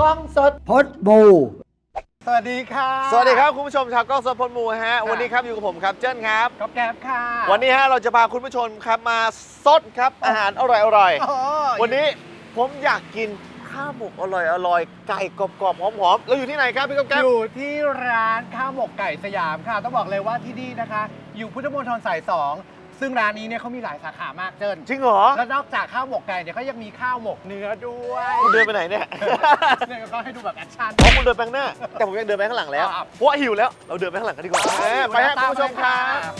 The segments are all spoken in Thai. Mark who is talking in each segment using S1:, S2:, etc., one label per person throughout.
S1: กล้องสดพดบูสวัสดีค่ะ
S2: สวัสดีครับคุณผู้ชมชาวกล้องสดพลมูฮะวันนี้ครับอยู่กับผมครับเจิ้นครับ
S1: ก๊อฟแก๊บค่ะ
S2: วันนี้ฮะเราจะพาคุณผู้ชมครับมาซดครับอาหารอร่อยๆวันนี้ผมอยากกินข้าวหมกอร่อยไก่กรอบๆหอมๆแล้วอยู่ที่ไหนครับพี่ก๊อฟแก๊บ
S1: อยู่ที่ร้านข้าวหมกไก่สยามค่ะต้องบอกเลยว่าที่นี่นะคะอยู่พุทธมณฑลสาย 2ซึ่งร้านนี้เนี่ยเขามีหลายสาขามากเจิ้น
S2: จริงเหรอ
S1: แล้วนอกจากข้าวหมกไก่เนี่ยเขายังมีข้าวหมกเนื้อด้วย
S2: คุณเดินไปไหนเนี่ย
S1: เนี่ยก็ให้ดูแบบแอคชั่น
S2: คุณเดินไปข้างหน้าแต่ผมยังเดินไปข้างหลังแล้วเพราะว่าหิวแล้วเราเดินไปข้างหลังกันดีกว่าไปฮะคุณผู้ชมครับ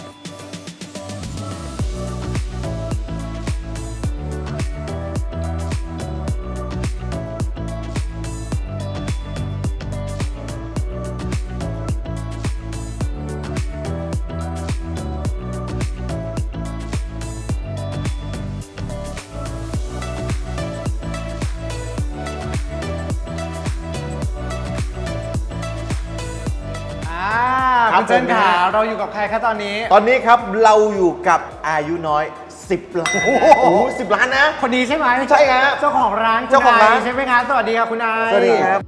S1: คุณเจิ้นค่ะเราอยู่กับใครคะตอนนี้
S2: ครับเราอยู่กับอายุน้อย10 ล้านโอ้โห10 ล้านนะ
S1: คนนี้ใช่ไหม
S2: ใช่ครับ
S1: เจ้าของร้านใช่ไหมคะสวัสดีค่ะคุณนาย
S2: สวัสดีครับ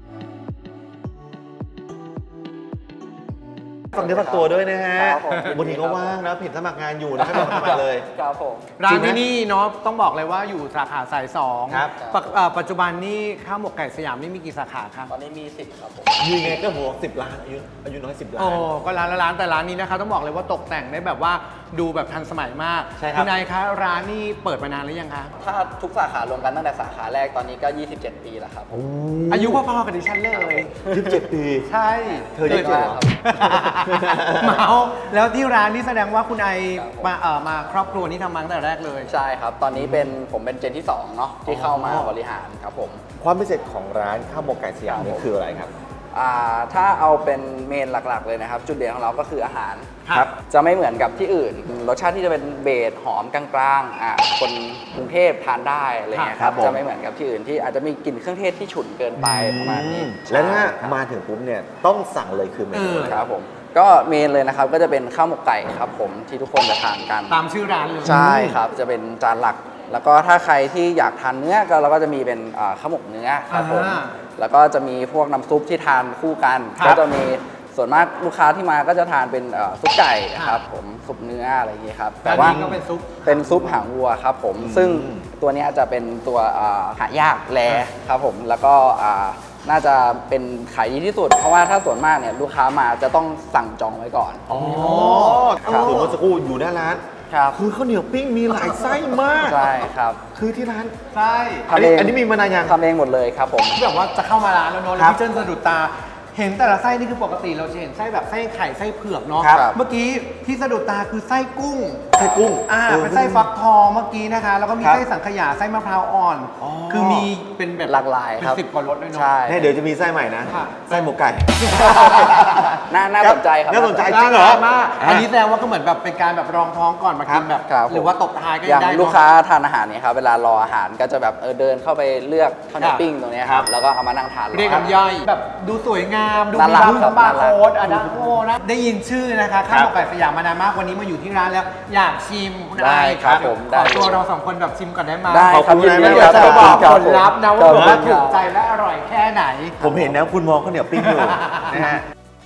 S2: ฝากเนื้อฝากตัวด้วยนะฮะวันนี้ก็ว่างนะผิดสมัครงานอยู่นะไม่ต้องสมัครเลย
S1: ครับผมร้านที่นี่เนาะต้องบอกเลยว่าอยู่สาขาสาย 2ครับปัจจุบันนี่ข้าวหมกไก่สยามนี่มีกี่สาขาครับ
S3: ตอนนี้มี10ครับผม
S2: ยังไงก็หัว10 ล้านอายุน้อย10 ล้าน
S1: ก็ร้านแต่ร้านนี้นะคะต้องบอกเลยว่าตกแต่งได้แบบว่าดูแบบทันสมัยมาก
S2: ใช่ครับ
S1: คุณนายคะร้านนี่เปิดมานานหรือยังคะ
S3: ถ้าทุกสาขารวมกันตั้งแต่สาขาแรกตอนนี้ก็27 ปีแล้วครับ
S1: อายุพอๆกับดิฉันเลย
S2: 27 ปี
S1: ใช่
S2: เธอ27เหรอ
S1: เมาแล้วที่ร้านนี่แสดงว่าคุณไอมาครอบครัวนี้ทำมาตั้งแต่แรกเลย
S3: ใช่ครับตอนนี้ผมเป็นเจนที่2เนาะที่เข้ามาบริหารครับผม
S2: ความพิเศษของร้านข้าวหมกไก่สยามนี่คืออะไรครับ
S3: ถ้าเอาเป็นเมนหลักๆเลยนะครับจุดเด่นของเราก็คืออาหาร
S2: ครับ
S3: จะไม่เหมือนกับที่อื่นรสชาติที่จะเป็นเบสหอมกลางๆคนกรุงเทพทานได้อะไรเงี้ยครับจะไม่เหมือนกับที่อื่นที่อาจจะมีกลิ่นเครื่องเทศที่ฉุนเกินไปประมาณนี้
S2: แล้วถ้ามาถึงปุ๊บเนี่ยต้องสั่งเลยคือเมนู
S3: ครับผมก็เมนเลยนะครับก็จะเป็นข้าวหมกไก่ครับผมที่ทุกคนจะทานกัน
S1: ตามชื่อร้านเลย
S3: ใช่ครับจะเป็นจานหลักแล้วก็ถ้าใครที่อยากทานเนื้อก็เราก็จะมีเป็นข้าวหมกเนื้อครับผมแล้วก็จะมีพวกน้ำซุปที่ทานคู่กันก็จะมีส่วนมากลูกค้าที่มาก็จะทานเป็นซุปไก่ครับผมซุปเนื้ออะไรอย่างนี้ครับ
S1: แต่ว่า
S3: เป็นซุปหางวัวครับผมซึ่งตัวนี้จะเป็นตัวหายากแลครับผมแล้วก็น่าจะเป็นขายดีที่สุดเพราะว่าถ้าส่วนมากเนี่ยลูกค้ามาจะต้องสั่งจองไว้ก่อน
S2: คือเมื่อสักครู่อยู่หน้าร้านคือข้าวเหนียวปิ้งมีหลายไส้มาก
S3: ใช่ครับ
S2: คือที่ร้าน
S1: ใช่
S2: อันนี้มีมานานยัง
S3: ทำเองหมดเลยครับผม
S1: แบบว่าจะเข้ามาร้านแล้วเนาะแล้วพี่เจิ้นสะดุดตาเห็นแต่ละไส้นี่คือปกติเราจะเห็นไส้แบบไส้ไข่ไส้เผือกเนาะเมื่อกี้ที่สะดุดตาคือไส้กุ้งเป็นไส้ฟักทองเมื่อกี้นะคะแล้วก็มีไส้สังขยาไส้มะพร้าวอ่อนคือมีเป็นแบบ
S3: หลากหลายครับ
S1: เป็น10 กว่ารสด้วยเนาะ
S2: ใช่เดี๋ยวจะมีไส้ใหม่นะไส้หมกไก่
S3: น่าสนใจครับ
S2: น่าสนใจจริงเหรอ
S1: มากอันนี้แสดงว่าก็เหมือนแบบเป็นการแบบรองท้องก่อนมากินแบบหรือว่าตบท้ายก็ได้
S3: อย่างลูกค้าทานอาหารเนี่ยครับเวลารออาหารก็จะแบบเดินเข้าไปเลือกข้าวเหนียวปิ้งตรงนี้ครับแล้วก็เอามานั่งทาน
S1: เรียกน้ำย่อยแบบดูสวยงามดูมีบาร์โค้ดอะดังโง่นะได้ยินชื่อนะคะข้าวหมกไก่สยามมานานมากวันนี้มาอยู่ที่ร้านแล้วอยากชิมคุณไอ
S3: ครับผม
S1: ขอตัวเรา2 คนแบบชิมก่อนได้ไหม
S3: ขอบคุณนะ
S1: เดี๋ยวจะบอกผลลัพธ์นะว่าถูกใจและอร่อยแค่ไหน
S2: ผมเห็นนะคุณมองข้าวเหนียวปิ้งอยู่นะฮะ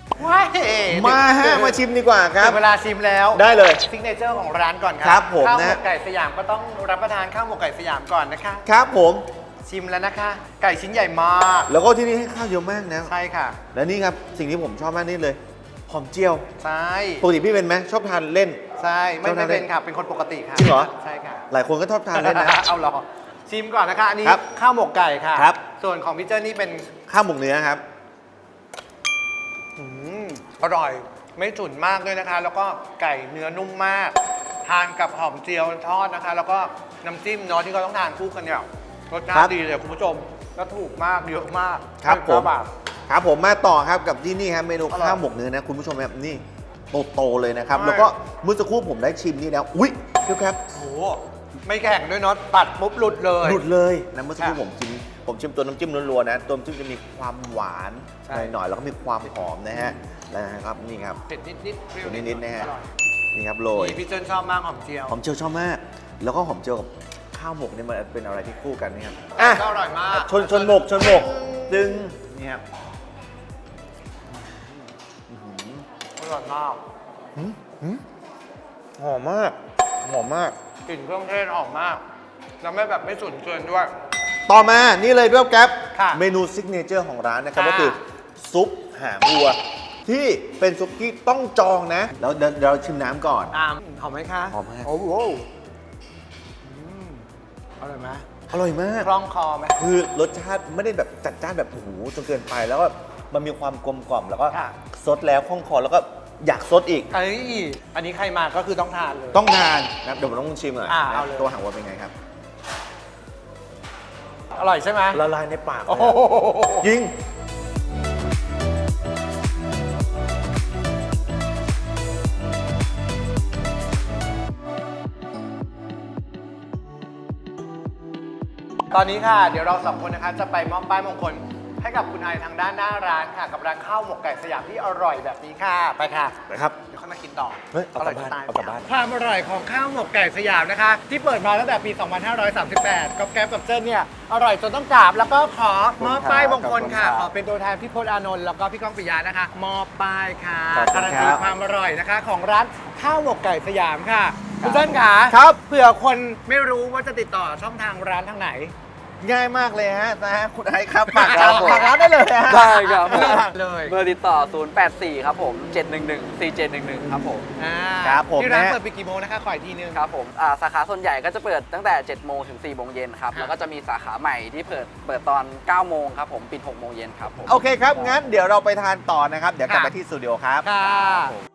S2: มาชิมดีกว่าครับ
S1: เวลาชิมแล้ว
S2: ได้เลย
S1: ซิกเนเจอร์ของร้านก่อน
S2: ครับผม
S1: ข้าวหมกไก่สยามก็ต้องรับประทานข้าวหมกไก่สยามก่อนนะคะ
S2: ครับผม
S1: ชิมแล้วนะคะไก่ชิ้นใหญ่มาก
S2: แล้วก็ที่นี่ให้ข้าวเยอะมากนะ
S1: ใช่ค่ะ
S2: และนี่ครับสิ่งที่ผมชอบมากนี่เลยหอมเจียว
S1: ใช่
S2: ปกติพี่เป็นไหมชอบทานเล่น
S1: ใช่ไม่เป็นค่ะเป็นคนปกติค่ะ
S2: จริงเหรอ
S1: ใช่ค่ะ
S2: หลายคนก็ชอบทานเล่นนะ
S1: เอาหรอชิมก่อนนะคะอันนี้ข้าวหมกไก่ค่ะส่วนของพี่เจ้านี่เป็น
S2: ข้าวหมกเนื้อครับ
S1: อร่อยไม่ฉุนมากด้วยนะคะแล้วก็ไก่เนื้อนุ่มมากทานกับหอมเจียวทอดนะคะแล้วก็น้ำจิ้มเนาะที่เขาต้องทานคู่กันเนี่ยรสชาติดีเลยคุณผู้ชมแล้วถูกมากเยอะมาก
S2: ครับผมมาต่อครับกับที่นี่ครับเมนูข้าวหมกเนื้อนะคุณผู้ชมครับนี่โตเลยนะครับแล้วก็เมื่อสักครู่ผมได้ชิมนี่แล้วอุ้ยพี่ครับ
S1: โอ้ไม่แข็งด้วยเนาะตัดปุ๊บหลุดเลย
S2: นะเมื่อสักครู่ผมชิมตัวน้ำจิ้มล้วนๆนะตัวน้ำจิ้มจะมีความหวานหน่อยๆแล้วก็มีความหอมนะฮะนะครับนี่ครับ
S1: เผ็ดนิดๆเปรี้ยว
S2: นิดๆนะฮะนี่ครับโรย
S1: พี่เจิ้นชอบมากหอมเจียว
S2: ชอบมากแล้วก็หอมเจียวกับข้าวหมกนี่มันเป็นอะไรที่คู่กันนะครับ
S1: อร่อยมาก
S2: ชนหมกตึงเนี่ยครับ
S1: อร่อยมาก
S2: หอมมากหอมมาก
S1: กลิ่นเครื่องเทศออกมาก แล้วไม่แบบไม่ฉุนเกินด้วย
S2: ต่อมานี่เลยด้วยแก๊ป
S1: ค่ะ
S2: เมนูซิกเนเจอร์ของร้านนะครับ
S1: ค่ะ
S2: ก็คือซุปหางวัว ที่เป็นซุปที่ต้องจองนะ แล้วเดี๋ยวเราชิมน้ำก่อน
S1: หอมไหมคะ
S2: หอมมาก
S1: โอ้โหอร่อยไหม
S2: อร่อยมาก
S1: คล่องคอไหม
S2: คือรสชาติไม่ได้แบบจัดจ้านแบบโอ้โหจนเกินไปแล้วก็มันมีความกลมกล่อมแล้วก็
S1: ค่ะ
S2: ซดแล้วคล่องคอแล้วก็อยากซดอีก
S1: เอ้ยอันนี้ใครมาก็คือต้องทานเลย
S2: ต้องทานนะเดี๋ยวผมต้องชิมหน่อย
S1: เอาเลย
S2: ตัวหางวัวเป็นไงครับ
S1: อร่อยใช่ไหม
S2: ละลายในปากเล
S1: โอ้
S2: ย
S1: โห
S2: อะจริง
S1: ตอนนี้ค่ะ เดี๋ยวเราสองคนนะคะจะไปมอบป้ายมงคลให้กับคุณไอทางด้านหน้าร้านค่ะ กับร้านข้าวหมกไก่สยามที่อร่อยแบบนี้ค่ะ ไปค่ะ
S2: นะครับ
S1: เดี๋ยวค่อยมากินต่อ
S2: เฮ้ยเอากลับบ้าน
S1: ร่ยจะตย
S2: เอากลับบ้าน
S1: ความอร่อยของข้าวหมกไก่สยามนะคะ ที่เปิดมาตั้งแต่ปี 2538กับแก๊ปกับเจิ้นเนี่ย อร่อยจนต้องกราบ แล้วก็ขอมอบป้ายมงคลค่ะ ขอเป็นตัวแทนพี่พจน์อานนท์แล้วก็พี่ก้องปิยะนะคะ มอบป้ายค่ะ
S2: ขอบคุณ
S1: การัน
S2: ครั
S1: ตี
S2: บ
S1: ความอร่อยนะคะ ของร้านข้าวหมกไก่สยามค่ะคุณเจิ้นค่ะ
S2: ครับ
S1: เผื่อคนไม่รู้ว่าจะติดต่อช่องทางร้านทางไหน
S2: ง่ายมากเลยฮะนะฮะคุณไอซ์ครับฝาก
S3: ครับผม
S2: ฝากร้านได้เลยฮะ
S3: ได้ครับผม
S1: เลย
S3: เบอร์ติดต่อ 084 ครับผม 711 4711 ครับผม
S2: ครับผม
S1: ที่ร้าน
S2: นะ
S1: เปิดปิดกี่โมงนะคะ ขออีกทีนึง
S3: ครับผมสาขาส่วนใหญ่ก็จะเปิดตั้งแต่ 7 โมงถึง 4 โมงเย็นครับ
S1: ครับ
S3: แล้วก็จะมีสาขาใหม่ที่เปิดตอน 9 โมงครับผม ปิด 6 โมงเย็นครับผม
S2: โอเคครับ งั้นเดี๋ยวเราไปทานต่อนะครับ เดี๋ยวกลับ
S1: ค่ะ
S2: ไปที่สตูดิโอครับ
S1: ค่ะ
S3: ผม